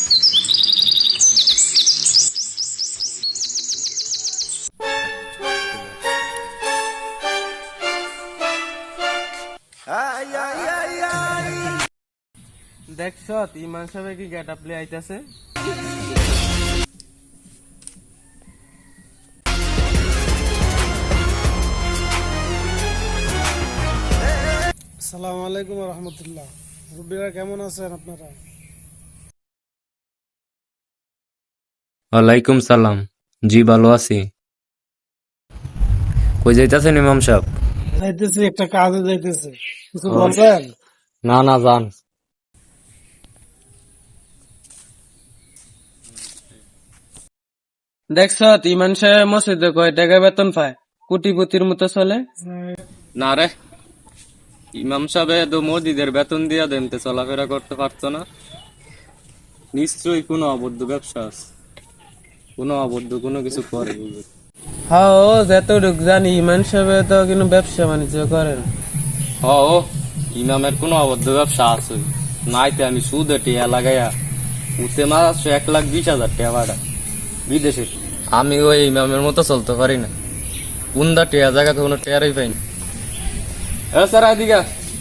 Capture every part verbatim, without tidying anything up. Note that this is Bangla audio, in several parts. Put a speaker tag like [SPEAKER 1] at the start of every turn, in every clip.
[SPEAKER 1] দেখছ ইমান সাহেব কি গেট আপলে আইতাছে।
[SPEAKER 2] আসসালামু আলাইকুম রহমতুল্লাহ। রুবিরা কেমন আছেন আপনারা?
[SPEAKER 3] ওয়ালাইকুম সালাম, জি ভালো আছি। কই যাইতাছেন ইমাম সাহেব?
[SPEAKER 2] যাইতেছি, একটা কাজে যাইতেছি, কিছু বলবেন?
[SPEAKER 3] না না যান।
[SPEAKER 1] দেখছ ইমান সাহেব মসজিদে কয় টাকা বেতন পায়, কোটিপতির মতো চলে।
[SPEAKER 3] না রে, ইমাম সাহেব তো মসজিদের বেতন দিয়া দেনতে চলাফেরা করতে পারতো না। নিশ্চয়ই কোনো অবৈধ ব্যবসা আছে, কোনো অবৈধ কোনো কিছু করে।
[SPEAKER 1] হ্যাঁ ও যতটুক জানি ইমান সাহেব তো কিন্তু ব্যবসা বাণিজ্য করেন।
[SPEAKER 3] হ ও ইমামের কোনো অবৈধ ব্যবসা আছে নাইতে আমি সুদে টিয়া লাগাইয়া উঠে মাস এক লাখ বিশ হাজার টাকা ভাড়া বিদেশে। আমি ওই ইমামের মতো চলতে পারি না, কোনটা টিয়া জায়গাতে কোনো টেয়ারই পাইনি। এ স্যার আদিকা,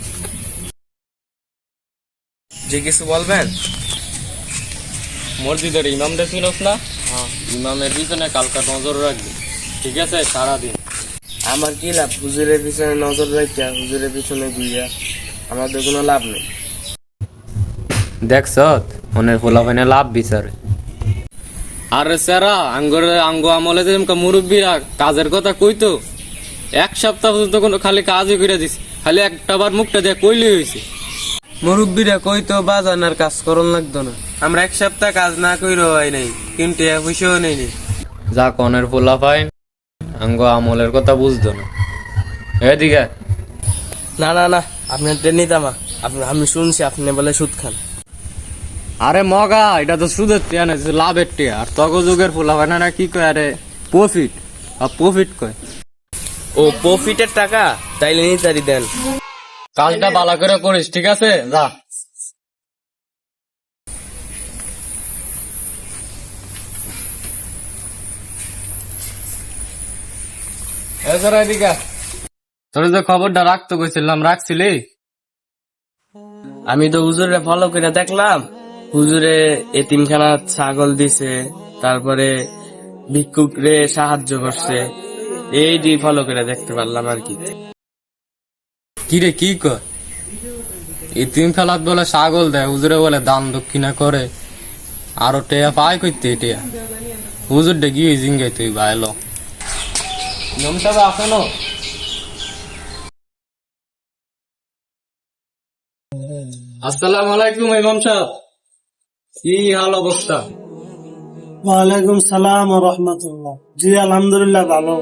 [SPEAKER 1] যে কিছু বলবেন?
[SPEAKER 3] মসজিদের ইমাম দেখিনস না? ইমামের পিছনে কালকা নজর রাখবি, ঠিক আছে? সারাদিন
[SPEAKER 1] আমার কি লাভ হুজুরের পিছনে নজর রাখিয়া হুজুরের পিছনে ঘুরিয়া, আমাদের কোনো লাভ নেই।
[SPEAKER 3] দেখছ মনের ফোলাফাইনে লাভ বিচারে। আরে স্যারা আঙ্গর আঙ্গ আমলে যে মুরব্বীরা কাজের কথা কইতো, এক সপ্তাহ পর্যন্ত কোনো খালি কাজই করে দিস, খালি একটা বার মুখটা দিয়ে কইলি হয়েছে।
[SPEAKER 1] মুরব্বীরা কই তো বাজান আর কাজ করন লাগতো না, আমরা এক সপ্তাহ কাজ না কইরো হয় নাই, কিন্তু পয়সাও নেই নি।
[SPEAKER 3] যা কনের ফোলাফাইন আঙ্গ আমলের কথা বুঝতো না। এদিকে
[SPEAKER 1] না না না, আপনার নিতামা আপনি, আমি শুনছি আপনি বলে সুদ খান।
[SPEAKER 3] আরে মগা, এটা তো সুদের টিয়া না, লাভের টিয়া। আর তগ যুগের ফোলাফাইনা কি কয়, আরে প্রফিট আর প্রফিট কয়।
[SPEAKER 1] ও প্রফিটের টাকা তাইলে নিতারি দেন।
[SPEAKER 3] কাজটা ভালো করে করিস, ঠিক আছে? যা। তোর যে খবরটা রাখতে কইছিলাম, রাখছিলি?
[SPEAKER 1] আমি তো হুজুরে ফলো করে দেখলাম, হুজুরে এতিমখানা ছাগল দিছে, তারপরে ভিক্ষুক রে সাহায্য করছে, এই দিয়ে ফলো করে দেখতে পারলাম আর কি।
[SPEAKER 3] কি রে কি কর? এতিম খেলাত বলে ছাগল দেয়, হুজুরে বলে দান দক্ষিণা করে, আরো টেয়া পায় কইতে টেয়া। হুজুর ডে গিয়ে জিঙ্গাই তুই ভাইলো নিয়ম সাহেব আসেনো। আসসালামু আলাইকুম ইমাম সাহেব, কি হাল অবস্থা?
[SPEAKER 2] ওয়ালাইকুম সালাম ও রহমতুল্লাহ। জি আলহামদুলিল্লাহ ভালো।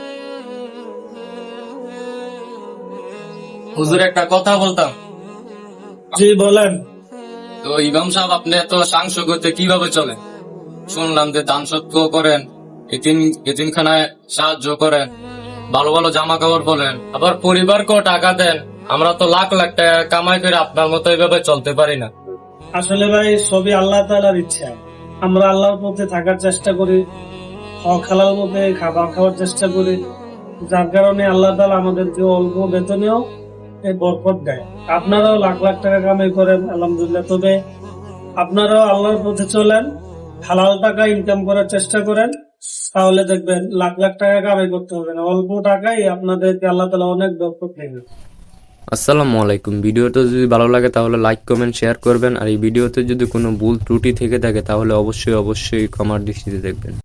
[SPEAKER 3] হুজুর একটা কথা বলতাম।
[SPEAKER 2] জি বলেন।
[SPEAKER 3] তো ইমাম সাহেব আপনি এত সাংসগতে কিভাবে চলেন? শুনলাম যে দান সত্য করেন, এতিম এতিমখানায় সাহায্য করেন, ভালো ভালো জামা কাপড় বলেন, আবার পরিবারকেও টাকা দেন। আমরা তো লাখ লাখ টাকা কামাই করে আপনার মতো এইভাবে চলতে পারি না।
[SPEAKER 2] আসলে ভাই সবই আল্লাহ তাআলার ইচ্ছা। আমরা আল্লাহর পথে থাকার চেষ্টা করি, হক হালাল মতে খাবার খাওয়ার চেষ্টা করি, যার কারণে আল্লাহ তাআলা আমাদেরকে অল্প বেতনেও এই বরকত দেয়। আপনারাও লাখ লাখ টাকা কামাই করেন আলহামদুলিল্লাহ, তবে আপনারাও আল্লাহর পথে চলেন, হালাল টাকা ইনকাম করার চেষ্টা করেন, তাহলে দেখবেন লাখ লাখ টাকা কামাই করতে হবে না, অল্প টাকায় আপনাদেরকে আল্লাহ তাআলা অনেক বরকত দেবে।
[SPEAKER 3] আসসালামু আলাইকুম। ভিডিওটা যদি ভালো লাগে তাহলে লাইক কমেন্ট শেয়ার করবেন, আর এই ভিডিওতে যদি কোনো ভুল ত্রুটি থেকে থাকে তাহলে অবশ্যই অবশ্যই ক্ষমার দৃষ্টিতে দেখবেন।